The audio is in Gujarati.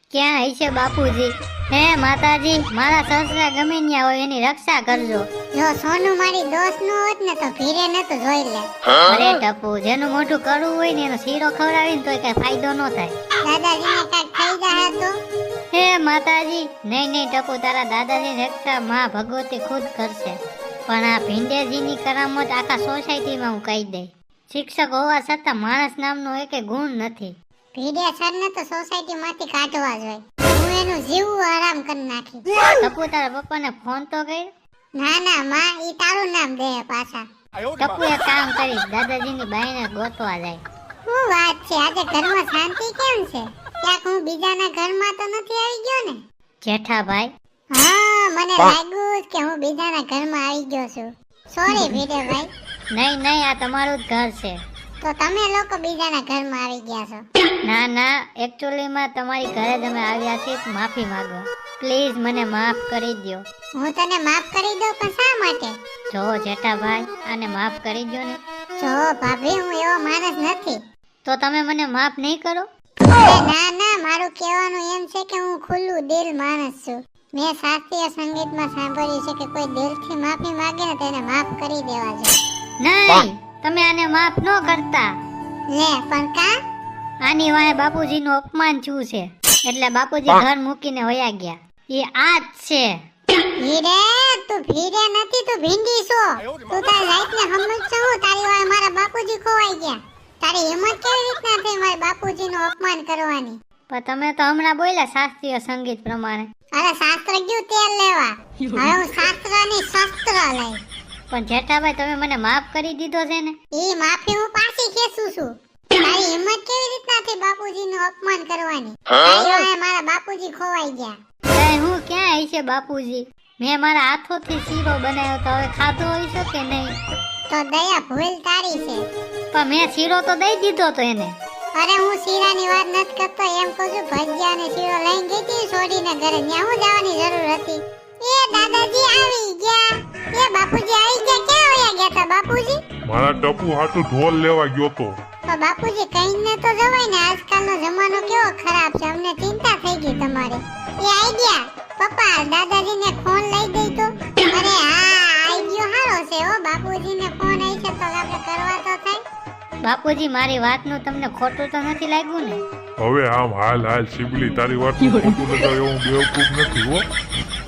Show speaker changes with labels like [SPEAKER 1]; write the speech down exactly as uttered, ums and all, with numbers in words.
[SPEAKER 1] ક્યાં હશે બાપુજી? હે માતાજી, મારા સસરા ગમે ત્યાં હોય એની રક્ષા કરજો.
[SPEAKER 2] જો સોનું મારી દોસ્ત નું હોત ને તો ભીરે ન તો જોઈ લે.
[SPEAKER 1] અરે ટપુ, જેનું મોઢું કડવું હોય ને એનો શીરો ખવડાવીને તોય કઈ ફાયદો ન થાય.
[SPEAKER 2] દાદાજીને કાંઈક થઈ જાય તો
[SPEAKER 1] હે માતાજી, નહીં નહીં ટપુ, તારા દાદાજીની રક્ષા માં ભગવતી ખુદ કરશે. પણ આ ભીંડેજીની કરામત આખા સોસાયટીમાં હું કહી દઈ. શિક્ષક હોવા છતાં માણસ નામનો એકે ગુણ નથી.
[SPEAKER 2] ભીડે સર ને તો સોસાયટી માંથી કાઢવા જોઈએ. હું એનું જીવવું આરામ કરી નાખી.
[SPEAKER 1] ટપુ, તારા પપ્પાને ફોન તો કર્યો?
[SPEAKER 2] ના ના માં, ઈ તારું નામ દે પાછા.
[SPEAKER 1] ટપુ એક કામ કરીશ, દાદાજીની બાઈને ગોતવા જાય.
[SPEAKER 2] શું વાત છે, આજે ઘરમાં શાંતિ કેમ છે? ક્યાંક હું બીજાના ઘરમાં તો નથી આવી ગયો ને?
[SPEAKER 1] જેઠાભાઈ,
[SPEAKER 2] હા, મને લાગ્યું કે હું બીજાના ઘરમાં આવી ગયો છું. સોરી ભીડે ભાઈ.
[SPEAKER 1] નહીં નહીં, આ તમારું જ ઘર છે.
[SPEAKER 2] તો તમે લોકો બીજાના ઘરમાં આવી ગયા છો?
[SPEAKER 1] ના ના, એકચ્યુઅલીમાં તમારી ઘરે જ અમે આવ્યા છીએ. માફી માંગો પ્લીઝ, મને માફ કરી દો.
[SPEAKER 2] હું તને માફ કરી દઉં, પણ શા માટે?
[SPEAKER 1] જો જેઠાભાઈ, આને માફ કરી દો ને.
[SPEAKER 2] જો ભાભી, હું એવો માણસ નથી.
[SPEAKER 1] તો તમે મને માફ નહીં કરો?
[SPEAKER 2] અરે ના ના, મારું કહેવાનું એમ છે કે હું ખુલ્લું દિલ માણસ છું. મેં શાસ્ત્રીય સંગીતમાં સાંભળ્યું છે કે કોઈ દિલથી માફી માંગે ને તેને માફ કરી દેવા જોઈએ.
[SPEAKER 1] નહીં, તમે આને માફ ન કરતા.
[SPEAKER 2] લે પણ કા?
[SPEAKER 1] આની વાંહે બાપુજીનું અપમાન થયું છે, એટલે બાપુજી ઘર મૂકીને વયા ગયા. એ આ જ છે.
[SPEAKER 2] ભીડે, તું ભીડે નથી, તું ભીંડી છો. તું તારી લાઈફને સમજશો હું? તારી વાંહે મારા બાપુજી ખોવાઈ ગયા. તારી હિંમત કેવી રીતના થઈ મારા બાપુજીનું અપમાન કરવાની?
[SPEAKER 1] પણ તમે તો હમણાં બોલ્યા શાસ્ત્રીય સંગીત પ્રમાણે.
[SPEAKER 2] અરે શાસ્ત્ર ગયું તેલ લેવા. હવે હું શાસ્ત્રની શસ્ત્ર લઈ.
[SPEAKER 1] પણ જેઠાભાઈ, તમે મને માફ કરી દીધો છે ને?
[SPEAKER 2] ઈ માફી હું પાછી ખેંચું છું. તારી હિંમત કેવી રીતના થઈ બાપુજીનું અપમાન કરવાની? તારી વાંહે મારા બાપુજી ખોવાઈ ગયા.
[SPEAKER 1] તઈ હું ક્યાં હશે બાપુજી? મેં મારા હાથોથી શીરો બનાવ્યો તો હવે ખાધો હશે કે નહીં?
[SPEAKER 2] તો દયા ભૂલ તારી છે.
[SPEAKER 1] પણ મેં શીરો તો દઈ દીધો તો એને.
[SPEAKER 2] અરે હું શીરાની વાત નથી કરતો, એમ કહું છું ભજીયા અને શીરો લઈને ગઈ હતી છોડીને ઘરે. ત્યાં હું જવાની જરૂર હતી? એ દાદાજી આવી ગયા. એ બાપુજી આવી ગયા. ક્યાં વયા ગયા તા બાપુજી?
[SPEAKER 3] મારા ટપુ હાટુ ઢોલ લેવા ગયો તો.
[SPEAKER 2] તો બાપુજી કહીને તો જવાય ને, આજકાલનો જમાનો કેવો ખરાબ છે. અમને ચિંતા થઈ ગઈ તમારી. એ આવી ગયા. પપ્પા, દાદાજીને ફોન લઈ દઈ તો. અરે હા, આવી ગયો હારો છે. ઓ બાપુજીને ફોન આવી છે તો આપણે કરવા તો થાય.
[SPEAKER 1] બાપુજી, મારી વાતનું તમને ખોટું તો નથી લાગ્યું ને?
[SPEAKER 3] હવે આમ હાલ હાલ શિબલી, તારી વાત ખોટું લગાવ એવું બેવકૂફ નથી હો.